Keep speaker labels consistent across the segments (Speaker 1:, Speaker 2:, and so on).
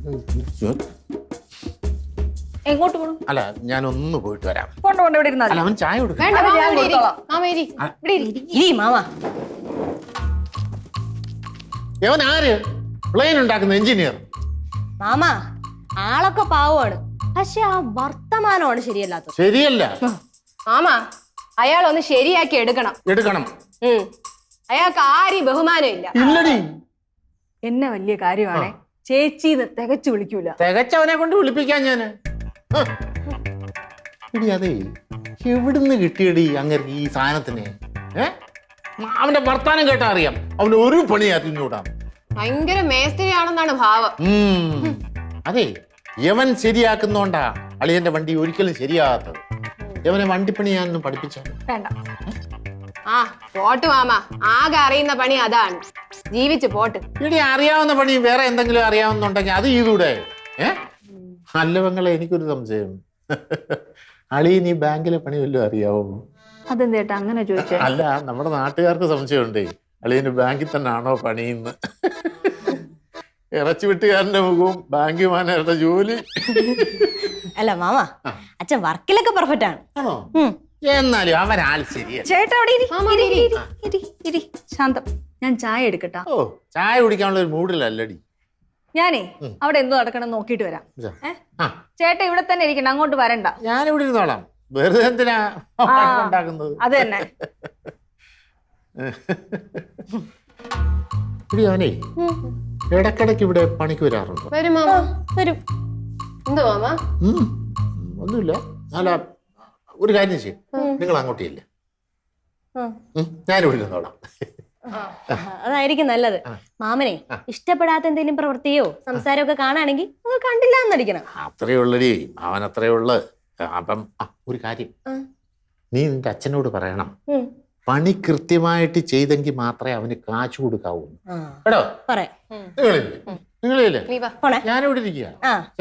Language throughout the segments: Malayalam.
Speaker 1: എങ്ങോട്ട് പോകണം?
Speaker 2: അല്ല ഞാനൊന്ന് പോയിട്ട് വരാം.
Speaker 1: കൊണ്ട് ഇവിടെ ഇരുന്നാ
Speaker 2: അല്ല അവൻ ചായ കൊടുക്കാം. അവൻ ആര്? പ്ലെയിൻ ഉണ്ടാക്കുന്ന എഞ്ചിനീയർ.
Speaker 3: മാമ ആളൊക്കെ പാവമാണ്, പക്ഷെ ആ വർത്തമാനമാണ് ശരിയല്ലാത്തത്.
Speaker 2: ശരിയല്ല
Speaker 4: മാമ, അയാൾ ഒന്ന് ശരിയാക്കി എടുക്കണം. അയാൾക്ക് ആരും ബഹുമാനം ഇല്ല.
Speaker 2: ഇല്ലടി,
Speaker 1: എന്നെ വലിയ കാര്യമാണേ ചേച്ചി തികച്ചു വിളിക്കൂല.
Speaker 2: തികച്ചവനെ കൊണ്ട് വിളിപ്പിക്കാൻ ഞാന്. ഇടി അതെ, എവിടുന്ന് കിട്ടിയടി അങ്ങനെ ഈ സാധനത്തിന്? അവന്റെ വർത്താനം കേട്ടാ അറിയാം അവന് ഒരു പണി അറിഞ്ഞൂടാ.
Speaker 4: ഭയങ്കര മേസ്ത്രിയാണെന്നാണ് ഭാവം.
Speaker 2: അതെ, യവൻ ശരിയാക്കുന്നോണ്ടാ അളിയന്റെ വണ്ടി ഒരിക്കലും ശരിയാകാത്തത്. യവനെ വണ്ടിപ്പണി ഞാനൊന്നും പഠിപ്പിച്ചാണ്.
Speaker 1: വേണ്ട.
Speaker 4: ആ പോട്ട് മാമ, ആകെ അറിയുന്ന പണി അതാണ്. ജീവിച്ച് പോട്ട്.
Speaker 2: ഇനി അറിയാവുന്ന പണി വേറെ എന്തെങ്കിലും അറിയാവുന്നുണ്ടെങ്കിൽ അത് ചെയ്തൂടെ? നല്ലവങ്ങളെ, എനിക്കൊരു സംശയം. അളിയൻ ഈ ബാങ്കിലെ പണി വല്ലതും അറിയാവോ?
Speaker 1: അതെന്തേട്ടാ അങ്ങനെ ചോദിച്ചേ?
Speaker 2: അല്ല, നമ്മുടെ നാട്ടുകാർക്ക് സംശയമുണ്ടേ അളിയന് ബാങ്കിൽ തന്നെ ആണോ പണിയുന്ന്. ഇറച്ചി വെട്ടുകാരന്റെ മുഖവും ബാങ്ക് മാനേജറുടെ ജോലി.
Speaker 3: അല്ല മാമ, അച്ഛൻ വർക്കിലൊക്കെ പെർഫെക്റ്റ് ആണ്.
Speaker 2: ആണോ? എന്നാലും അവനാൾ ശരിയാ.
Speaker 1: ചേട്ടാ അവിടെ ഇരി. ശാന്തം, ഞാൻ ചായ എടുക്കട്ടാ.
Speaker 2: ഓ, ചായ കുടിക്കാനുള്ള ഒരു മൂഡിലല്ലടി
Speaker 1: ഞാനേ. അവിടെ എന്തോ നടക്കണം നോക്കിട്ട് വരാം. ചേട്ടാ ഇവിടെ തന്നെ ഇരിക്കണം, അങ്ങോട്ട് വരണ്ട.
Speaker 2: ഞാനിവിടെ ഇരുന്നോളാം. വെറുതെ എന്തിനാ ഉണ്ടാക്കുന്നത്?
Speaker 1: അത് തന്നെ.
Speaker 2: അവനെ ഇടക്കിടക്ക് ഇവിടെ പണിക്ക് വരാറുണ്ടോ?
Speaker 4: വരും മാമ, വരും. എന്തോ മാമ?
Speaker 2: ഒന്നുമില്ല. അല്ല, ഒരു കാര്യം ചെയ്യും, നിങ്ങൾ അങ്ങോട്ടില്ല, ഞാനിവിടെ ഇരുന്നോളാം.
Speaker 3: അതായിരിക്കും നല്ലത്. മാമനെ ഇഷ്ടപ്പെടാത്ത എന്തെങ്കിലും പ്രവൃത്തിയോ സംസാരമൊക്കെ കാണുകയാണെങ്കിൽ നിങ്ങൾ കണ്ടില്ല എന്നടിക്കണം.
Speaker 2: അത്രേ ഉള്ളടി, അവൻ അത്രേ ഉള്ളു. അപ്പം ഒരു കാര്യം, നീ നിന്റെ അച്ഛനോട് പറയണം, പണി കൃത്യമായിട്ട് ചെയ്തെങ്കിൽ മാത്രമേ അവന് കാശ് കൊടുക്കാവൂ കേട്ടോ. നിങ്ങളില്ലേ? ഞാനിവിടെ ഇരിക്കുക.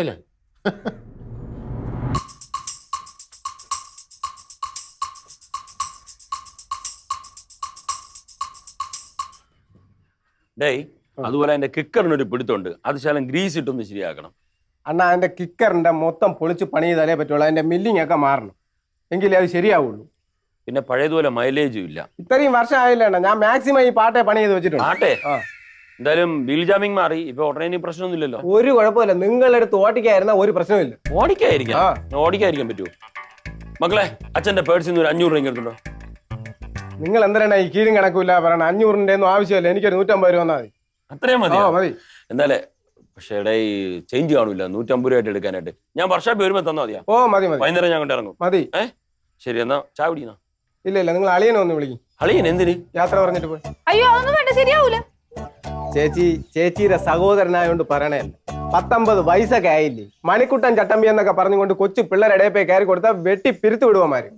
Speaker 5: ഡേയ്, അതുപോലെ എന്റെ കിക്കറിനൊരു പിടുത്തുണ്ട്, അത് ശാലം ഗ്രീസ് ഇട്ടൊന്ന് ശരിയാക്കണം.
Speaker 6: അണ്ണാ, അതിന്റെ കിക്കറിന്റെ മൊത്തം പൊളിച്ച് പണി ചെയ്താലേ പറ്റുള്ളൂ. അതിന്റെ മില്ലിങ് ഒക്കെ മാറണം, എങ്കിലേ അത് ശരിയാവുള്ളൂ.
Speaker 5: പിന്നെ പഴയതുപോലെ മൈലേജും ഇല്ല.
Speaker 6: ഇത്രയും വർഷം ആയില്ല അണ്ണാ, ഞാൻ മാക്സിമം ഈ പാട്ടെ പണി ചെയ്ത് വെച്ചിട്ടുണ്ട്.
Speaker 5: പാട്ടെ എന്തായാലും വീൽ ജാമിങ് മാറി, ഇപ്പൊ ഉടനെ പ്രശ്നമൊന്നുമില്ലല്ലോ.
Speaker 6: ഒരു കുഴപ്പമില്ല, നിങ്ങളെടുത്ത് ഓടിക്കായിരുന്ന ഒരു പ്രശ്നമില്ല.
Speaker 5: ഓടിക്കാതിരിക്കാൻ പറ്റുമോ? മക്കളെ, അച്ഛന്റെ പേഴ്സിൽ നിന്ന് ഒരു 500 രൂപ എടുത്തുണ്ടോ?
Speaker 6: നിങ്ങൾ എന്തിനാണ് ഈ കീഴും കണക്കില്ല പറയണ? 500 ഒന്നും ആവശ്യമില്ല, എനിക്കൊരു 150 രൂപ വന്നാൽ മതി.
Speaker 5: അത്രയും മതി?
Speaker 6: മതി.
Speaker 5: എന്തായാലേ, പക്ഷേ ഈ ചേഞ്ച് കാണൂല 150 രൂപ ആയിട്ട് എടുക്കാനായിട്ട്. ഞാൻ വർഷാപ്പ് വരുമ്പോ തന്നാ മതിയാ?
Speaker 6: മതി മതി.
Speaker 5: വൈകുന്നേരം ഞാൻ കൊണ്ട് ഇറങ്ങും.
Speaker 6: മതി.
Speaker 5: ശരി, എന്നാ ചായ കുടിക്കുന്ന?
Speaker 6: ഇല്ല, നിങ്ങൾ അളിയനെ ഒന്ന് വിളിക്കും.
Speaker 5: അളിയൻ എന്തിന്?
Speaker 6: യാത്ര പറഞ്ഞിട്ട് പോയി.
Speaker 1: അയ്യോ, അതൊന്നും വേണ്ട, ശരിയാവൂല.
Speaker 6: ചേച്ചിയുടെ സഹോദരനായോണ്ട് പറയണല്ല, 19 വയസ്സൊക്കെ ആയില്ലേ, മണിക്കുട്ടൻ ചട്ടമ്പി എന്നൊക്കെ പറഞ്ഞുകൊണ്ട് കൊച്ചു പിള്ളേരുടെ പോയി കയറി കൊടുത്താൽ വെട്ടി പിരുത്തു വിടുവമാര്.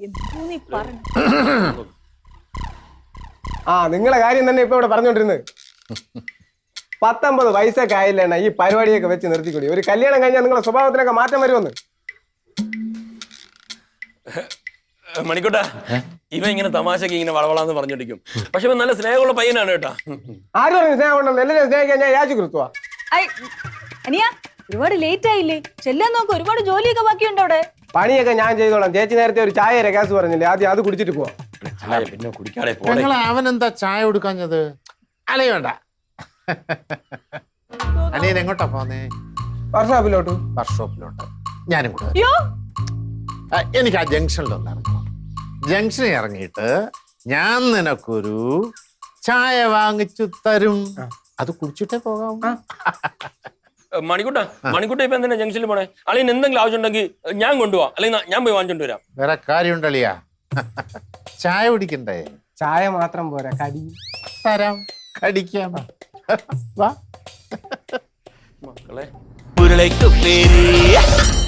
Speaker 6: നിങ്ങളെ കാര്യം തന്നെ ഇപ്പൊ ഇവിടെ പറഞ്ഞോണ്ടിരുന്നത്. 19 വയസ്സൊക്കെ ആയില്ലേണ്ണ ഈ പരിപാടിയൊക്കെ വെച്ച് നിർത്തിക്കൂടി. ഒരു കല്യാണം കഴിഞ്ഞാൽ നിങ്ങളുടെ സ്വഭാവത്തിനൊക്കെ മാറ്റം വരുമെന്ന്.
Speaker 5: മണിക്കൂട്ടാ, ഇവ ഇങ്ങനെ തമാശക്ക് ഇങ്ങനെ വളവളാന്ന് പറഞ്ഞോണ്ടിരിക്കും, പക്ഷെ ഇവൻ നല്ല സ്നേഹമുള്ള പയ്യനാണ് കേട്ടാ.
Speaker 6: ആരും പറഞ്ഞു സ്നേഹം ഉണ്ടെന്ന്? എല്ലാവരും സ്നേഹിക്കാൻ ഞാൻ യാചി കൊടുത്തുവാ.
Speaker 1: അനിയ, ഒരുപാട് ലേറ്റ് ആയില്ലേ? ചെല്ലാൻ നോക്ക്, ഒരുപാട് ജോലിയൊക്കെ ബാക്കിയുണ്ട് അവിടെ.
Speaker 6: പണിയൊക്കെ ഞാൻ ചെയ്തോളാം. ചേച്ചി നേരത്തെ ഒരു ചായ രകാസ് പറഞ്ഞില്ലേ, ആദ്യം അത് കുടിച്ചിട്ട് പോവാം.
Speaker 5: പിന്നെ കുടിക്കാതെ
Speaker 2: അവൻ എന്താ ചായ കൊടുക്കാഞ്ഞത്? അല്ലേ വേണ്ട. അനിയൻ എങ്ങോട്ടാ പോന്നേ? വർക്ക്ഷോപ്പിലോട്ട്. ഞാനും കൂടെ. എനിക്ക് ആ ജംഗ്ഷനിലൊന്ന് ഇറങ്ങണം. ജംഗ്ഷനിൽ ഇറങ്ങിയിട്ട് ഞാൻ നിനക്കൊരു ചായ വാങ്ങിച്ചു തരും, അത് കുടിച്ചിട്ടേ പോകാം.
Speaker 5: മണിക്കൂട്ട ഇപ്പൊ എന്തിനാ ജംഗ്ഷനിൽ പോണേ? അല്ലെങ്കിൽ എന്തെങ്കിലും ആവശ്യം ഉണ്ടെങ്കിൽ ഞാൻ കൊണ്ടുപോവാം, അല്ലെങ്കിൽ ഞാൻ പോയി വാങ്ങിച്ചോണ്ട് വരാം.
Speaker 2: വേറെ കാര്യമുണ്ടല്ലിയാ, ചായ കുടിക്കണ്ടേ?
Speaker 6: ചായ മാത്രം പോരാ, കടി
Speaker 2: തരാം, കടിക്കാം. വാ
Speaker 5: മക്കളെ.